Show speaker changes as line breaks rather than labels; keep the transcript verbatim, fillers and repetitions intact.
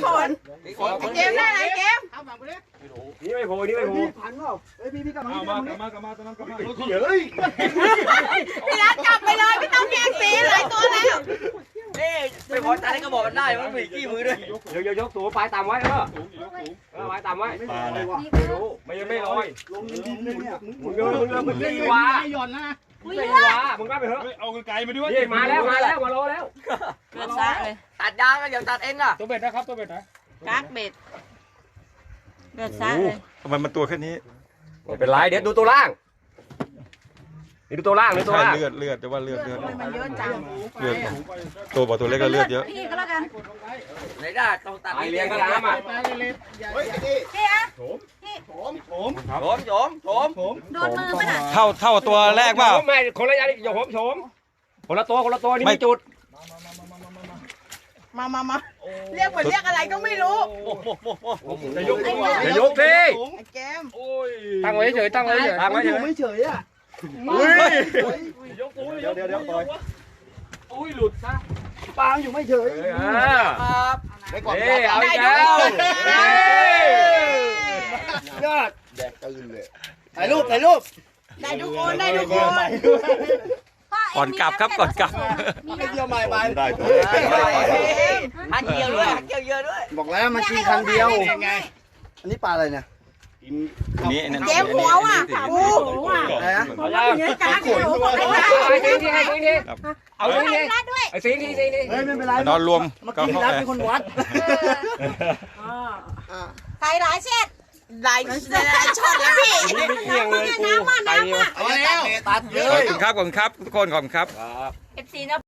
นไอ้เกมได้ไรเกม
นี่ไม่โผล่นี่ไม่โผล่
พันเปล่าเฮ้ยพี่พี่กลับมา
เอามากลับมากลับมาตอนนั้นกลับมา
เฮ้ย
พี่รักจับไปเลยไม่ต้องแย่งสีหลายตัวแล้ว
นี่ไม่พอใจก็บอกกันได้มันมีขี้มือด้วย
เดี๋ยวยกตัวปลายต่ำไว้เออ
สูงยกสูง
เออปลายต่ำไว้
ไม่ได้เลยว่ะ
ไม่รู้ไม่ยังไม่ลอย
ลงดินเลยเนี่ย
มึงเดินมึงเดินมึงไม่วา
หย่อนนะ
ไม่วามึงรับไปเถอะ
เอาไกลมาด้วย
นี่มาแล้วมาแล้วมารอแล้ว
เกิดซะเลย
ตัดยางก็อย่าตัดเองอ่ะ
ตัวเบ็ดนะครับตัวเบ็ดนะ
กักเบ็ดเกิดซะเลย
ทำไมมันตัวแค่นี้
ไม่เป็นไรเดี๋ยวดูตัวล่างนี่ดูตัวล่างดูตัว
ใช่
ล่าง
เลือดเลือดแต่ว่าเลือดเลือด
มันเยอะจัง
เลือดตัวบอกตัวเล็กก็เลือดเยอะ
พี่ก็แล้วกัน
ไหนได้ต้องตัด
ไปเลี้ยงกันน้ำอ่ะ
เฮ้ยพี่
พี่อะ
โถม
โฉมโฉมโฉม
ผม
โดนมือป่ะน่ะ
เท่าเท่าตัวแรกเปล่า
ไม่คนละอย่างอย่าโหมโฉมคนละตัวคนละตัวนี่
ไม่
มีจุด
มามามาเรียกเหมือนเรียกอะไรก็ไม่รู้
จะยกจะยกสิ
ไอ้เกม
โอ้ย
ตั้งไว้เฉยตั้งไว้เฉยตั้งไว้เฉย
ไม่เฉยอ่ะ
อุ้ย
ยกปู
เดี๋ยวเดี๋ยวเดี๋ยวปล่อย
อุ้ยหลุดซะ
ปางอยู่ไม่เฉย
อ่า
ครับ
ได้ก่อน
เอ้ยเอาอีกแล้ว
ยอดแดกตื่นเลยถ่ายรูปถ่ายรูป
ได้ทุกคนได้ทุกคน
ก่อนกลับครับก่อนกลับ
ไม่เดียวใหม่ไปได้
หันเกี่ยวด้วยหันเกี่ยวเยอะด้วย
บอกแล้วมันกินครั้งเดียวอันนี้ปลาอะไรเนี่ย
นี่นั่น
เกมหัวว่ะกูหัว
อะไรนะ
เอายัง
เนื้อกลางหัวบอกให้
เอาไอ้สิงทีไอ้สิงที
ครับ
เอาสิงที
ได้ด้วย
ไอ้สิงทีสิงที
เฮ้ยไม่เป็นไร
นอนรวม
เมื่อ
ก็
กี้
เข้า
รับ
ไป
เป็นคนวัด
ใครหลายเช็ดหลายช็อตแล้วพี่
นี่ไม่เกี่ยงเลยกู
น้ำมา
ไป
น้ำ
เดียว
มา
เอาแล้วตัดเล
ขอบ
ย
คุณครับขอบคุณครับทุกคนขอบคุณครับ
เอฟซีนะ